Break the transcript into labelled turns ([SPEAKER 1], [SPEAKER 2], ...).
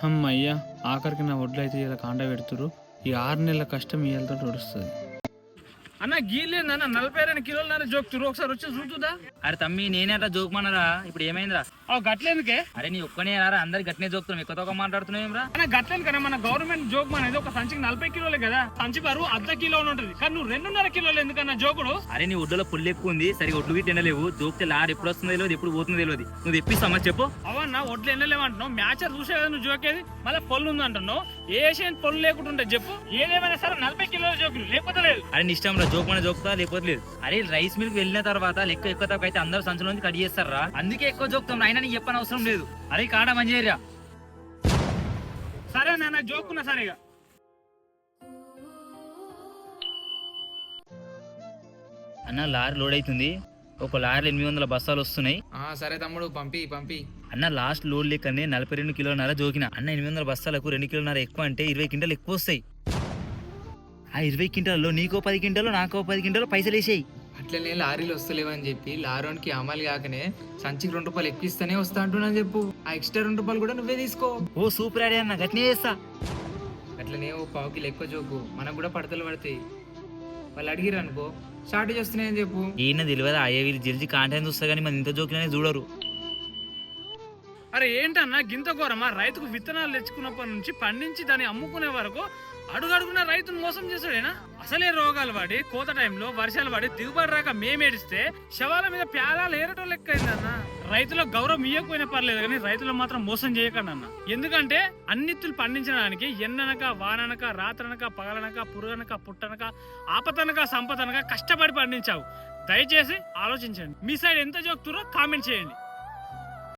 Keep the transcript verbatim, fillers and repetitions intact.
[SPEAKER 1] అమ్మయ్యా, ఆఖరికి నా ఒడ్లు అయితే ఇలా కాండ పెడుతురు. ఈ ఆరు నెలల కష్టం ఇవాళతో నడుస్తుంది. అన్న గీలేదన్న నలభై రెండు కిలోల జోక్తురు, ఒకసారి వచ్చి చూస్తుందా?
[SPEAKER 2] అరే తమ్మి నేనే అట్లా జోకుమన్నారా, ఇప్పుడు ఏమైందిరా?
[SPEAKER 1] గట్లేందుకే?
[SPEAKER 2] అరే నీ ఒక్కనే రారా, అందరు గట్నే జోకుతున్నాం, ఎక్కువ తక్కువ మాట్లాడుతున్నాం రా.
[SPEAKER 1] అన్న గట్లేదు కదా, మన గవర్నమెంట్ జోక్ అనేది ఒక సంచికి నలభై కిలోలే కదా, సంచి బరువు అర్ధ కిలో ఉంటుంది, కానీ నువ్వు రెండున్నర కిలోలు ఎందుకన్నా జోకుడు?
[SPEAKER 2] అరే నీ ఒడ్డులో పుల్లు ఎక్కువ ఉంది, సరిగా ఒడ్లు గిట్టి ఎండలేవు, జోక్తే లార్ ఎప్పుడు వస్తుందో తెలియదు, ఎప్పుడు పోతుందో తెలియదు. నువ్వు తెప్పిస్తామా చెప్పు?
[SPEAKER 1] అవన్నా ఒడ్లు ఎండలేవు అంటున్నావు, మ్యాచర్ చూసే కదా నువ్వు జోకేది, మళ్ళీ పొల్లు ఉంది అంటున్నావు. ఏ ఏషియన్ పొల్లు లేకుండా ఉంటే చెప్పు, ఏదేమైనా సరే నలభై కిలోల జోకులు లేకపోతే లేదు.
[SPEAKER 2] అరే నీ ఇష్టం రా, జోక్ మన జోక్తా లేకపోతే లేదు. అరే రైస్ మిల్క్ వెళ్ళిన తర్వాత లెక్క ఎక్కువ తక్కువ అయితే అందరూ సంచుల నుంచి కట్ చేస్తారా, అందుకే ఎక్కువ జోక్తాం. అయినా నీకు చెప్పని అవసరం లేదు. అరే కాడ మంచిగా
[SPEAKER 1] సరే నాన్న జోకున్నా సరేగా.
[SPEAKER 2] అన్న లారీ లోడ్ అవుతుంది, ఒక లారీ ఎనిమిది వందల బస్తాలు వస్తున్నాయి.
[SPEAKER 3] సరే తమ్ముడు పంపి పంపి.
[SPEAKER 2] అన్న లాస్ట్ లోడ్ లెక్కనే నలభై రెండు కిలోన్నర జోకిన. అన్న ఎనిమిది వందల బస్తాలకు రెండు కిలోన్నర ఎక్కువ అంటే ఇరవై క్వింటాలు ఎక్కువ వస్తాయి. ఆ ఇరవై క్వింటాల్లో నీకో పది క్వింటాలు నాకో పది క్వింటాలు పైసలు వేసాయి.
[SPEAKER 3] అట్లనే లారీలు వస్తలేవని చెప్పి లారోనికి అమలు కాకనే సంచికి రెండు రూపాయలు ఎక్కువ ఇస్తేనే వస్తా అంటున్నా చెప్పు. ఆ ఎక్స్ట్రా రెండు రూపాయలు కూడా నువ్వే తీసుకో.
[SPEAKER 2] ఓ సూపర్ ఆడే అన్న, గట్నే చేస్తా.
[SPEAKER 3] అట్లనే ఓ పావు కిలో ఎక్కువ జోకు, మనకు కూడా పడతలు పడతాయి. వాళ్ళు అడిగిరు అనుకో షార్టేజ్ వస్తున్నాయని చెప్పు.
[SPEAKER 2] ఈయన తెలియదు అయ్యే వీళ్ళు జల్జీ కాంటాక్ట్ చూస్తా కానీ మన ఇంత జోకినే చూడరు.
[SPEAKER 1] అరే ఏంటన్నా గింత ఘోరమా? రైతుకు విత్తనాలు తెచ్చుకున్నప్పటి నుంచి పండించి దాన్ని అమ్ముకునే వరకు అడుగడుగున రైతును మోసం చేసాడేనా? అసలే రోగాలు పడి కోత టైంలో వర్షాలు పడి దిగుబడి రాక మేమేడిస్తే శవాల మీద ప్యాలాలు ఏరటం లెక్క అయిందన్న. రైతులకు గౌరవం ఇవ్వకపోయినా పర్లేదు కానీ రైతులు మాత్రం మోసం చేయకండి అన్న. ఎందుకంటే అన్నిత్తులు పండించడానికి ఎన్ననక వాననక రాత్రనక పగలనక పురుగనక పుట్టనక ఆపతనక సంపదనక కష్టపడి పండించావు. దయచేసి ఆలోచించండి. మీ సైడ్ ఎంత జోక్తురో కామెంట్ చేయండి.